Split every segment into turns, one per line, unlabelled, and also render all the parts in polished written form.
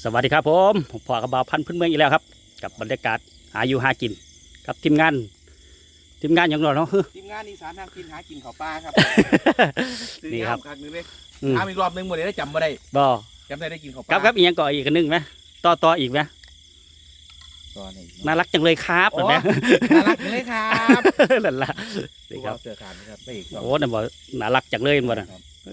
สวัสดีครับผมพ่อกระบาพันธุ์พื้นเมืองอีกแล้วครับกับบรรยากาศหาอยู่หากินกับทีมงานอย่างเราเนาะ
ทีมงานอีสานทางกินหากินข้าวปลาครับ
นี่ครับ
ครั้งนึงเลยถามอีกรอบนึงหมดเลยได้จำมาได้
บ่
จำได้กินข้าวป
ครั
ลา
บอีกยังก่ออีกกันนึงไหมต่ออีกไหมน่ารักจังเลยครับแบบนี้
น่ารักจังเลยครับ
นั่นละนี่ครับ
เสือขาดนะครับไม่อีก
โอ้นั่นบอกน่ารักจังเลยมันน่ะ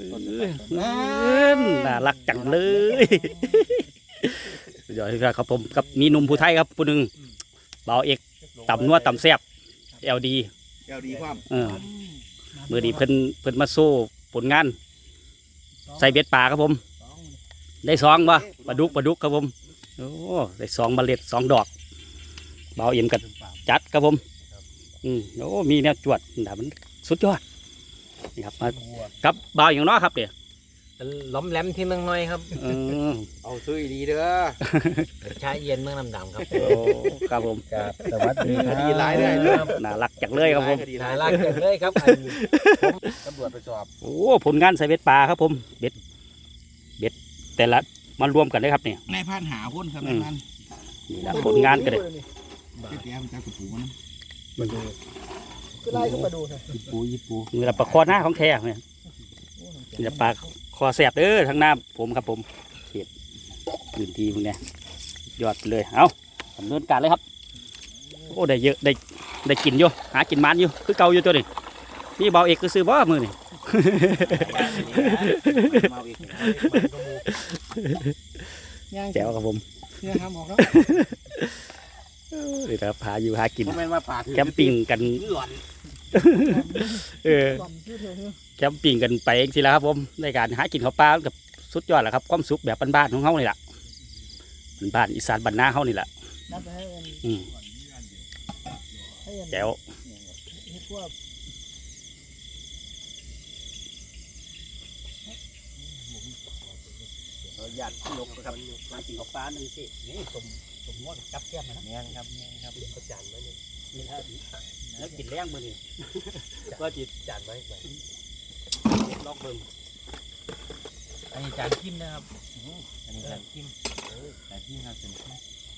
น่ารักจังเลยเดี๋ยวครับผมกับมีหนุ่มผู้ไทยครับผู้หนึ่งเบาเอกต่ำนัวต่ำแซ่บLD
ความ
มือดีเพิ่นมาสู้ผลงานใส่เบ็ดป่าครับผมได้สองบ่ปลาดุกครับผมโอ้ได้2 เมล็ด 2 ดอกเบาเอ็มกันจัดครับผมโอ้มีแนวจวดแต่มันสุดยอดนี่ครับมากับเบาอย่างน้อยครับเดี๋ยว
ล้อมแหลมที่เมืองน้อยครับ
เอาซื้อดีเด้อ
ชาเย็นเมืองน้ำดำครับ
โอ้ครับผม
ครับสวัสดีครับ
ดีหลายเลย
น่ารักจังเลยครับผม
น่ารักจังเลยครับ
ตำรวจไปสอบ
โอ้ผลงานใส่เบ็ดป่าครับผมเบ็ดแต่ละมันรวมกันได้ครับเนี่ย
นายพานหาหุ้นครับนายพาน
นี่นะผลงานกันเลย
เตี้ยมันจะกระปูมัน
ก็ไล่ก็มาดูนะ
ญี่ปูนี่แหละปลาคอหน้าของแท้เนี่ยนี่แหละปลาคอแสบเด้อทางหน้าผมครับผมเขียดพื้นที่มึงเนี่ยยอดเลยเอาดำเนินการเลยครับโอ้ได้เยอะได้กินอยู่หากินมันอยู่คือเก่าอยู่ตัวนี้นี่เบาเอกคือซื้อบ่มือนี่แจ๋วครับผม
เนี่ยครับบอกแล้ว
นี่ครับหาอยู่หากิน
แ
คมปิ้งกันแคมปิ้งกันไปเองสิแล้วครับผมในการหากินข้าวปลากับสุดยอดแหละครับความสุขแบบบ้านๆของเขานี่แหละบ้านอีสานบ้านนาเขานี่แหละแจ๋วหยาดลกครับหากินข้าวปลาหนึ่งสินี่สมมติจับแก้มนะ
เนี่ยครับประจานไว้เลย
นี่ครับแล้วกินแรงมือนี่ก็จิต
จานไว้
ลอกเบิ่ง
อันนี้จานจิ้มนะครับอันนี้จานจิ้มจานจิ้มครับจานจิ้ม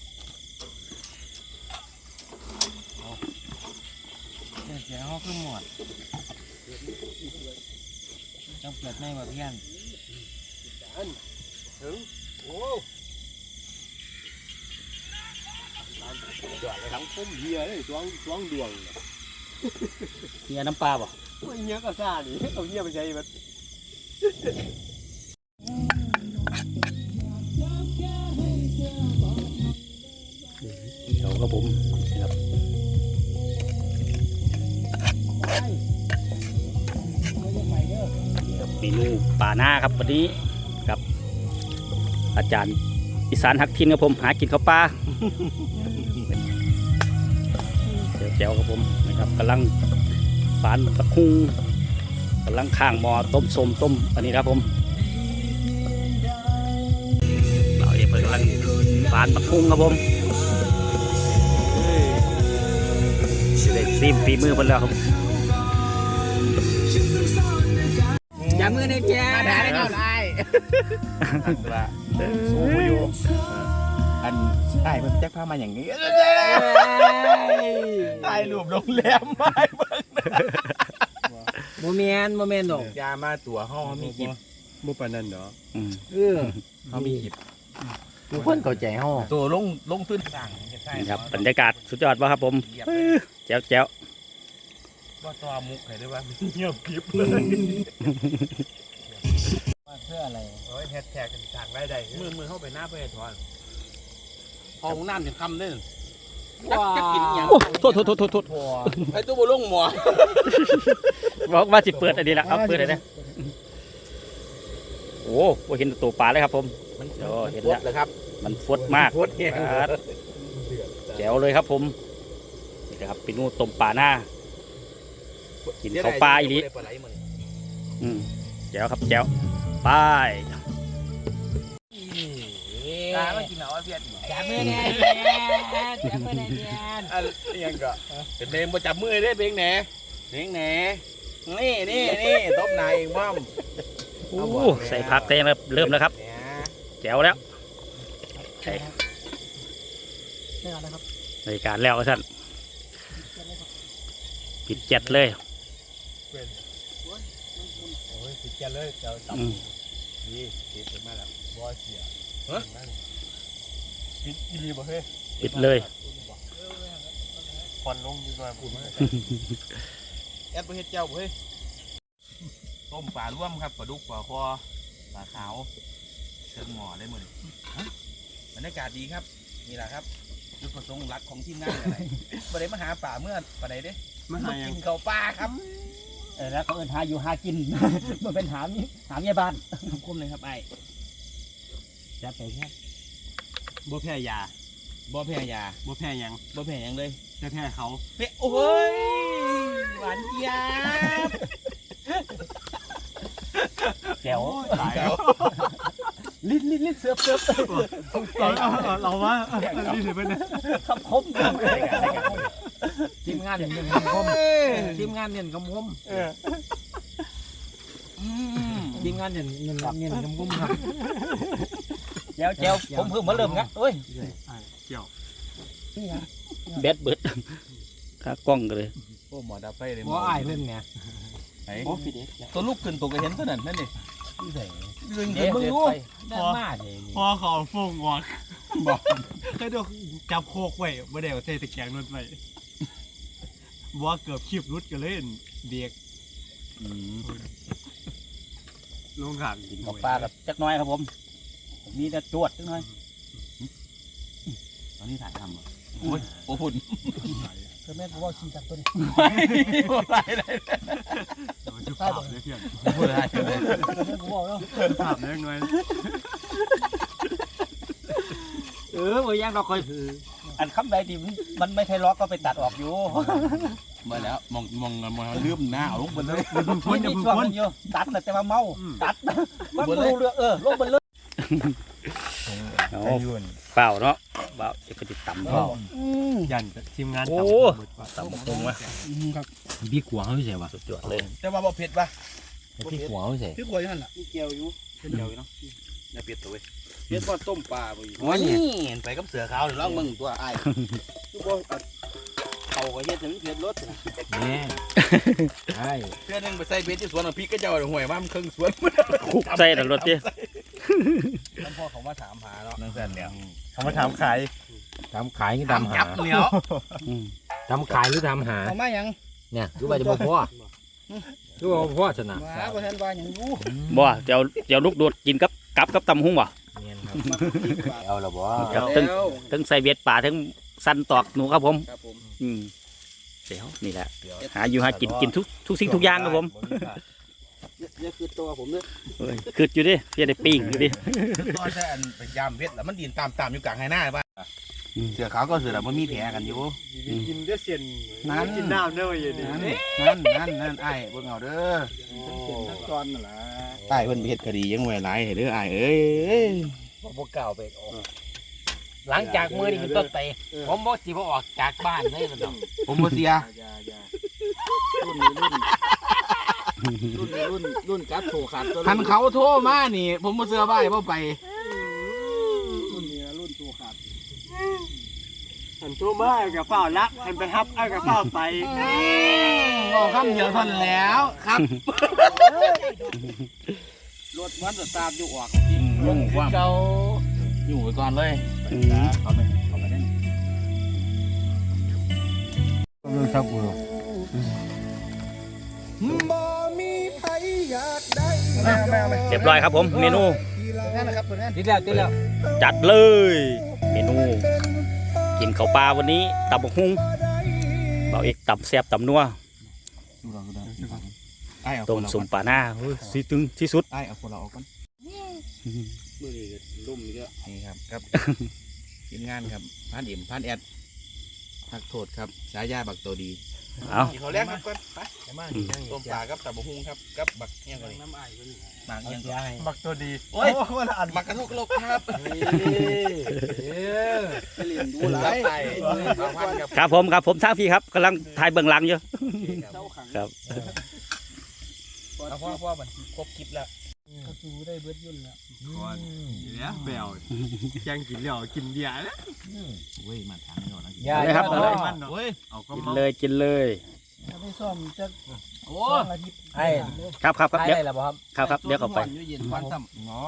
เสียห้องขึ้นหมดต้องเปิดไม่มาเพี้ยน
ถึงโอ้ทั้งพุ่มเฮียเลยสวงดวง
เฮียน้ำปลาป่ะ
เฮียก็ซ่าดิเอาเฮียไปใช้แบบ
เดี๋ยวครับผมครับเมนูป่าหน้าครับวันนี้กับอาจารย์อีสานฮักทินครับผมหากินข้าวปลาแจ๋วครับผมนะครับกำลังฝานตะคุงกำลังข้างหม้อต้มส้มต้มอันนี้ครับผมเราเองกำลังฝานตะคุงครับผมเด็กซีมฝีมือเพิ่นแล้วครับ
อย่ามือในแจ
มาได้แล้วไล่โอ้ยอันไอ้มันแจ็คพามาอย่างนี้ไอ้รวมโรงแรมไม่เบิ่ง
โมเมนต์ดอก
ยามาตัวห้องมีกิบ
บุปนันเนาะ
เขามีกิบ
ทุกคนเข้าใจห้อง
ตัวลงขึ้นสั่ง
นี่ครับบรรยากาศสุดยอดป่ะครับผมแจ๋ว
ว่าตัวมุกไหนได้บ้างเงียบกิบเลย
เพื่ออะไร
โอ้ยแฮชแท็กทางได้มือเข้าไปหน้าไปถอนพอของน้ำถึงคำได้จะกินอย่าง
โทษ
ไอ้ตัวบุลงหมอ
บอกว่าสิเปิดอันนี้แหละครับเปิดอะไรนะโอ้โหเห็นตัวปลาเลยครับผม
เห็นแล้วเลยครับ
มันฟดมากแจ๋วเลยครับผมนี่นะครับเป็นนูต้มปลาหน้ากินข้าวปลาอีนี้แจ๋วครับแจ๋วไป
มากินเหรอเพี้ยน
จับมือเนี่ยจับมือเนี่ย
อะไรยังก็เป็นเบงมาจับมือได้เบงแหน่นี่ตบนายเองบ้าง
ใส่ผักเต็มเริ่มแล้วครับแจ๋วแล้วใช่
ได้แล้วนะครับ
ในการแล้วท่านปิดเจ็ดเลย
โอ้ยติดแกเลยเจ้าตับ
อืม
นี่ติดมาแล้วบอเสียติดอีรีบ่เฮ้ย
ปิดเลย
ควันลงดีกว่าพูดมาแอดบ่เฮ็ดเจ้าบ่เฮ้ยต้มปลาร่วมครับปลาดุกปลาคอปลาขาวเชิงหม้อได้หมดเลยบรรยากาศดีครับนี่แหละครับจุดประสงค์หลักของทีมงานอะไรบ่ได้มาหาป่าเมื่อปลาใดเด้มากินข้าวปลาครับ
แล้วเขาเอินหาอยู่หากิน มันเป็นหามยาบ้าน
คมเลยครับไอ้
จับไปแค่
บ่แพ้ยาบ่แพ้ยา
บ่แพ้หยัง
บ่แพ้หยังเลย
แต่แพ้เขา
เฮ้ยโอ้ยหวานเจี๊ยบ
แก้ว
ตาย
ลิ้นเสือบ
เราว่านี่ถือเป็น
คำคม
ทีมงานเนี่ยคำคมทีมงานเนี่ยคำคมทีมงานเนี่ยคำคมครับ
แก้วผมเพิ่งมาเริ่มงั้นเอ้ย
เกี่ยว
แบดเบิดขากล้องกันเลย
โอ้หมอดับไฟเลย
บ่อายเพิ่นเนี่ย
ไอ้ตัวลูกขึ้นตัวก็เห็นตัวนั้นนั่นนี่ดึง
เดี๋ยว
มึง
เดี๋ยว
รู้
ไป
ได้มาเลย
พอเขาฟงวอกบอกเคยดูจับโคกไว้บ่ได้เอาใส่ตะแกรงนุ่นไว้บ่เกือบคีบรุดกันเลยเด็กลงขางกิน
กับปลากับจักน้อยครับผมมีแต่จวดจักน้อย
ตอนนี้ถ่ายทำโอ้ยโอ้พุ่น
เพิ่นแม่นว่าขี้จากตัวนี้
โอ้ไรเลย
ชุบภาพเลยเพื่อน
พูดอะไรเลย
เพิ่นบอกแล้ว
ภาพเล็กน้อย
บ่ยังเราคอยอันคำใดที่มันไม่ใช่ล็อกก็ไปตัดออกอยู่
มาแล้วมองลืมหน้าเอาลงไปเลย
มีช่วงนึงอยู่ตัดแต่ว่าเมาตัดมันบ่รู้เรื่องลงไปเลยเปล่าเนาะเปล่าจะไปติดต่ำเปล่า
ยันทีมงาน
ต่ำตรงวะ
พี่ขวางเขาใช่ปะ
สุดยอดเลย
แต่ว่าบ่เผ็ดป่ะ
พี่ขวางเขาใช่
พี่ขวดนั่นแหละนี่เกียวอยู่เกียวอยู่เนาะอย่าเผ็ดตัวเว้ยเผ็ดบ่ต้มปลาบ่อยู่นี่ไปกับเสือขาวเดี๋ยวลองมึงตัวอ้ายคือบ่เขาก็เฮ็ดให้มันเผ็ดรส
นี่ใช่
เพื่อนนึงไปใส่เบ็ดที่สวนของพี่ก็เจ้าห่วยมามันครึ่งสวน
คุกใส่ดังรถดิ
นั่นพ่อเขามาถามหาเนาะนั่นแซ่เดียว
เขามาถามขาย
ทำขายนี่ทำหา
จับเหนียว
ทำขายหรือทำหา
เอามาหยัง
เนี่ยคือว่าจะบอกพ่อคือว่าพ่อชนะ
มาบ่ทันว่าหยังรู้
บ่เดี๋ยวลูกโดดกินกับตำหุ้งบ่
เนียนครับเอาละบ่
ครับทั้งใส่เบ็ดป่าทั้งสั้นตอกหนูครับผม
ครับผม
เดี๋ยวนี่แหละหาอยู่หากินทุกสิ่งทุกอย่างครับผม
นี่คือตัวผมเด้อ
คืออยู่ดิพี่ได้ปิ้งอยู่ดิ
ตอนแต่อันไปยามเบ็ดแล้วมันดินตามอยู่กลางไห้หน้าป่ะเสือขาวก็เสือแล้วมันมีแผลกันอยู่
กินได้เสียน
นั่น
กินน้ำได้ยังไง
นั่นไอ้เบิ่งเอาเด้อทั้งตอนนั่นล่ะใต้เพิ่นไปเฮ็ดคดียังไว้หลายให้เด้ออ้ายเอ้ย
บ่กล่าวไปออกหลังจากมือนี่เป็นต้นไปผมบอกสิบ่ออกจากบ้านเลยมันดอก
ผมบ่เสีย
รุ่นกัดโถขาดตัว
คันเขาโทรมานี่ ผมบ่เสือบ่ายบ่ไป
รุ่นนี้รุ่นโถขาด
หันตัวมากับเปล่าละหันไปฮับเอากับเปล่าไป
บอกคำเดียวเท่านั้นแล้วครับรถมันจะตามอยู่ออกลงความ
เก่า
อยู่ไปก่อนเลยเอาไปได้
เรื่องซับกู
เรียบร้อยครับผมเมนู
นั่นนะครับผลงาน
ติดแล้ว
จัดเลย เมนู กินข้าวปลาวันนี้ตำบักหุ่งเบาเอกตำแซ่บตำนัว
ไอ้เอา
ต้มสุ่มปลาหน้าสิตึงที่สุด
ไอ้เอาคนเราออกก่อนมือนี่ลุ่มเยอะนี่ครับครับทีมงานครับพันอิ่มพันแอดทักโทษครับสายาบักตัวดี
เอา
เขาแรกครับก่อนไปต้มปลากับตับกหุ่งครับกับบักเงี้ยก่อนน้ำไอ้หมากเงี้ยก่อน
บักตัวดี
โอ้ยหมักกระทุกโลกครับไปเรียนดูหลายครับ
ครับผมทางพี่ครับกำลังถ่ายเบื้องหลังอยู่ครับ
พ่อมันครบคลิปแล้ว
กระสูได้เบิดยุ่นแล้ว
ก่อนเนี่ยแปลวแกงกินเหล้ากินเบียร์แล้ว
เว้ยมาทางนี้ก่อนนะ
อย่า
เลยครับ
อย่า
เลย
มันเนาะเอาก็
กิน
มา
เลยกินเลย
ถ้าได้ซ่อมจะ
โอ้
ซ่อมอาทิตย์
ไอ้
ครับครับครับ
ได้
เดี๋ยว
แล้วบ่ครับ
ครับเดี๋ยวเข้าไป
อยู่เย็นควันซ้ำอ๋อ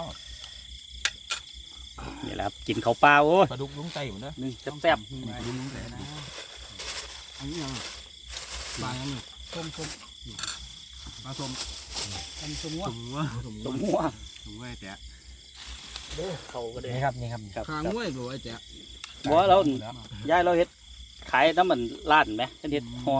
นี่แหละครับกินข้าวเปล่าโอ้ย
ปลาดุกลุงไตหมดเด้อ
นึงแซ่บ
ลุงไตนะ
อันนี้ยังบางอันนี้
ส้ม
ปลาส้ม
อันสมว่า
สมว่า
ๆสมหัว
สมว่าแต่
เขาก็ได้
นี่ครับนี่ครับ
ครับ
คางมวยบ่ไอ้แจ๊
บัวเราย้ายเราเฮ็ดขายน้ำมันร้านไหมเฮ็ดหัว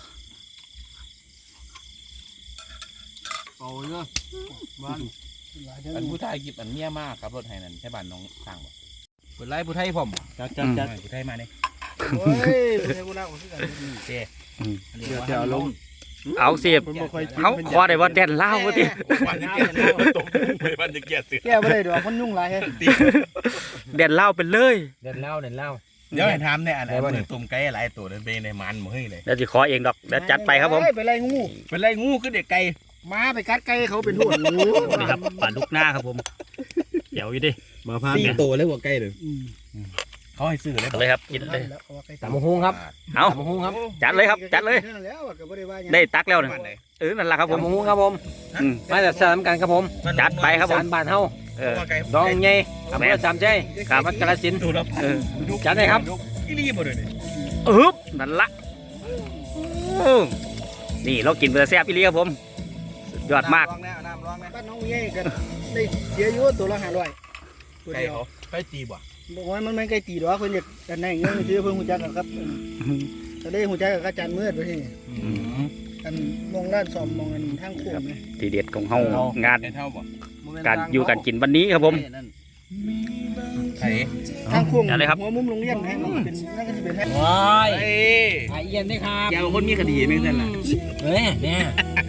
เอาเนาะบ้าน
หลายเดือน
อันผู้ไทยกิบอันเมียมากครับรถไทยนั่นใช่บ้านน้องสร้างบ่เปิดไล่ผู้ไทยผมจัดผู้ไทยมาเนี่ย
โอ้ยเป็นไงกูน่าอุ่นขึ้นกัน
เดี๋ยวลง
เอาสิ
มันบ่ค่อยกิน
เขาขอได้ว่าแดนเล่าวว่าติ
วันจะเกลียดตกไปวันจะเกลียดเสือ
แก้ไม่ได้ดอกมันยุ่งหลายเฮ้ย
แดนเล่าวเป็นเลย
เดินเล่าเดินเล่า
เดี๋ยวให้ถามเนี่ยอันมือตุ่มไก่หลายตัวนั่นเป็นในมันมือเลย
เดี๋ยวจะขอเองดอกเดี๋ยวจัดไปครับผม
ไปไล่งู
เป็นไรงูคือเด็กไก่
มาไปกัดไก่เขาเป็นหัวงู
นี่ครับปลาลูกหน้าครับผมเดี๋ยวอยู่ดิ
มาพา
4ตัวเลยหัวไก่เลย
อืม
เขาให้ซื้อเลย
เลยครับกินเลย
แล้วเอาไก่
ตำบักหุ่งครับ
เอา
ตำบักหุ่งครับ
จัดเลยครับจัดเลย
แล้วก็บ่ได้ว่าหยัง
ได้ตักแล้วนะนั่นแหละครับผม
ตำบักหุ่งครับผม
อืม
มาจากสามกันครับผม
จัดไปครับผม
สารบ้านเฮา
เออ
ดองใหญ่อำเภอสามชัย
ครับ
จังหวัดกาฬสินธุ์
ตัวละ
เออ
จัดเลยครับ
อีรีบ่เลยนี่
อึ๊บนั่นละโอ้นี่เรากินเบอร์แซ่บอีหลีครับผมสุดยอดมาก
น้ำร้องแน่
บ้านน้องเย่กันได้เสียอยู่ตัวละ500ตัว
ไก่
เดียว
เขาไก่จีบ่
บอกว่ามันไม่ไก่ตีดอกเพิ่นอยากกันได้เงินซื้อเพิ่นฮู้จักกันครับก็ได้ฮู้จักกับอาจารย์มืดไปที่อันมองร้านซ่อมมองอันทางโค้งนะ
ทีเด็ดของเฮางาน
ไก่เท่าบ่
การอยู่การกินวันนี้ครับผม
ไก่
ทางโค้ง
เอาเลยครับ
หัวมุมโรงเรียนให้มันเป็นนั่นก็สิเป็นให้
ว้าย
ไอ้
ไอเอียนด้วยครับ
แกคนมีคดีไม่ใช่ล่ะ
เฮ้ยเนี่ย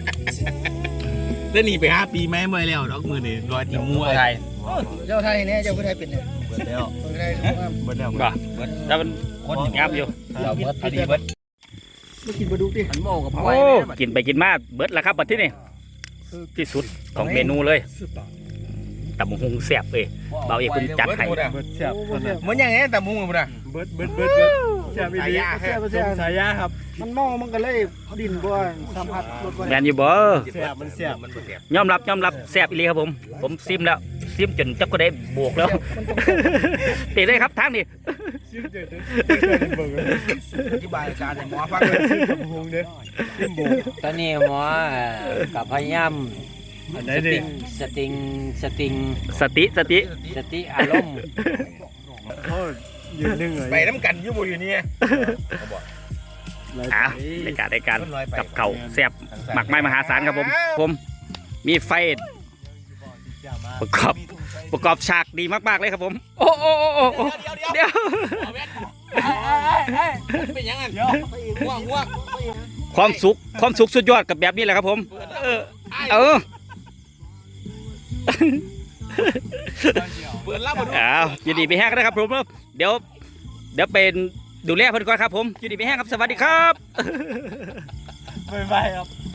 แล้วหนีไป5 ปีแม่เมื่อยแล้วดอกมือนี่รอยติมัวไทย
เจ้าไทยเนี่ยเจ้าผู้ไทยเป็นเนี่ย
เบิดแล้ว
ผู้ไทยเขาว่า
เบิดแล้ว
บ่แล้วมันงามอยู่
เราเบิดคดีเบิด
ไม่กินปลาดุกดิ
อันโมกับ
โอ้กินไปกินมาเบิดแล้วครับบัดที่นี่ที่สุดของเมนูเลยตำบักหุงแซ่บเลยเบาเอกคุณจัดให้
เบิดแซ่บ
โอ้บ่แซ่บ
เหมือนอย่างนี้แต่มุ้งมันนะ
เบิดแซ่บอีหลี
สายยา
สมสายยาครับ
มันเมามันก็เลยดินบ่สัมผัสรสบ่
แมนอยู่บ่
แซ่บมันแซ่บ
มันบ่แซ่บ
ยอมรับแซ่บอีหลีครับผมซิมแล้วซิมจนจักก็ได้บวกแล้ว
มันต้อง
ตีได้ครับทางนี้
ซิมเด็ดเบิด
อธิบายอาการให้หมอฟังเลย
ซิมกับหงเด้อซิมโบ
ตอนนี้หมอกับพยายาม
อันไหน
ส
ดิ
ติง
สติ
อารมณ์
เขายืนนึ่งเลย
ไปน้ำกันอยู่บ่อยู่นี่
อ้าวในการ
มันลอยไป
กับเขาวแซ่บหมักไม้มหาศาลครับผมมีไฟประกอบฉากดีมากๆเลยครับผมโอ้เดี๋ยว
เป็นยังไงง่วง
ความสุขสุดยอดกับแบบนี้แหละครับผมเออ
เปิดรับมาดู
อ้าวยินดีไปแห้งนะครับผมเดี๋ยวเป็นดูแลเพิ่นก่อนครับผมยินดีไปแห้งครับสวัสดีครับ
บ๊ายบายครับ